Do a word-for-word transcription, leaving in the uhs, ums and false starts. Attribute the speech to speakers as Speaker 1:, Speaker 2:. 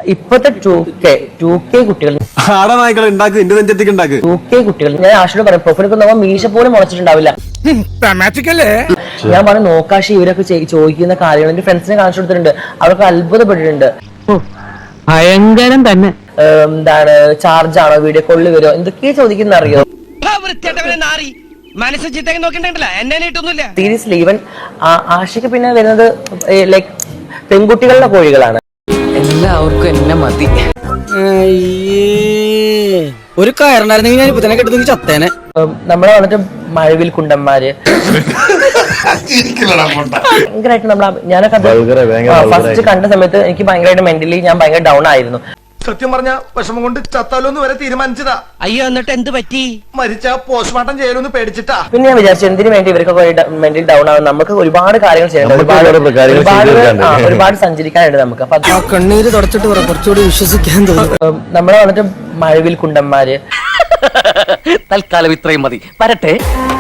Speaker 1: ഇപ്പോഴത്തെ two K two K കുട്ടികൾ two K കുട്ടികൾ ഞാൻ ആഷിനോട് പറയും പ്രൊഫൈലൊക്കെ നമ്മൾ മീശ പോലും മുളച്ചിട്ടുണ്ടാവില്ല. ഞാൻ പറഞ്ഞു നോക്കാശി ഇവരൊക്കെ ചോദിക്കുന്ന കാര്യങ്ങൾ എന്റെ ഫ്രണ്ട്സിനെ കാണിച്ചു കൊടുത്തിട്ടുണ്ട്. അവർക്ക് അത്ഭുതപ്പെട്ടിട്ടുണ്ട്.
Speaker 2: ഭയങ്കരം തന്നെ.
Speaker 1: എന്താണ് ചാർജ് ആണോ, വീഡിയോ കോളിൽ വരുമോ, എന്തൊക്കെയാ ചോദിക്കുന്ന അറിയോ? സീരിയസ്ലി ഈവൻ ആഷിക്ക് പിന്നെ വരുന്നത് ലൈക് പെൺകുട്ടികളുടെ കോഴികളാണ്.
Speaker 2: എല്ലാവർക്കും എന്നെ മതി.
Speaker 3: ഒരു കയറുണ്ടായിരുന്നെങ്കിൽ ഞാൻ ഇപ്പൊ തന്നെ കെട്ടുന്നെങ്കിൽ ചത്തേനെ.
Speaker 1: നമ്മളെ വന്നിട്ട് മഴവിൽ കുണ്ടന്മാര് ഭയങ്കരമായിട്ട് നമ്മളെ ഞാനൊക്കെ ഫസ്റ്റ് കണ്ട സമയത്ത് എനിക്ക് ഭയങ്കരമായിട്ട് മെന്റലി ഞാൻ ഭയങ്കര ഡൗൺ ആയിരുന്നു.
Speaker 4: സത്യം പറഞ്ഞ വിഷമം കൊണ്ട് ചത്താലോന്ന് വരെ തീരുമാനിച്ചതാ.
Speaker 3: അയ്യോ എന്നിട്ട് എന്ത് പറ്റി?
Speaker 4: മരിച്ച പോസ്റ്റ്മോർട്ടം ചെയ്യലൊന്ന് പേടിച്ചിട്ടാ.
Speaker 1: പിന്നെ ഞാൻ വിചാരിച്ചു എന്തിനു വേണ്ടി ഇവർക്കൊക്കെ മെന്റലി ഡൗൺ ആവും, നമുക്ക് ഒരുപാട് കാര്യങ്ങൾ ചെയ്യണം, ഒരുപാട് ഒരുപാട് സഞ്ചരിക്കാനുണ്ട് നമുക്ക്. അപ്പൊ
Speaker 3: കണ്ണീര് തുടച്ചിട്ട് കുറച്ചുകൂടി വിശ്വസിക്കാൻ തോന്നും.
Speaker 1: നമ്മളെ വന്നിട്ട് മഴവിൽ കുണ്ടന്മാര്
Speaker 2: തൽക്കാലം ഇത്രയും മതി. വരട്ടെ.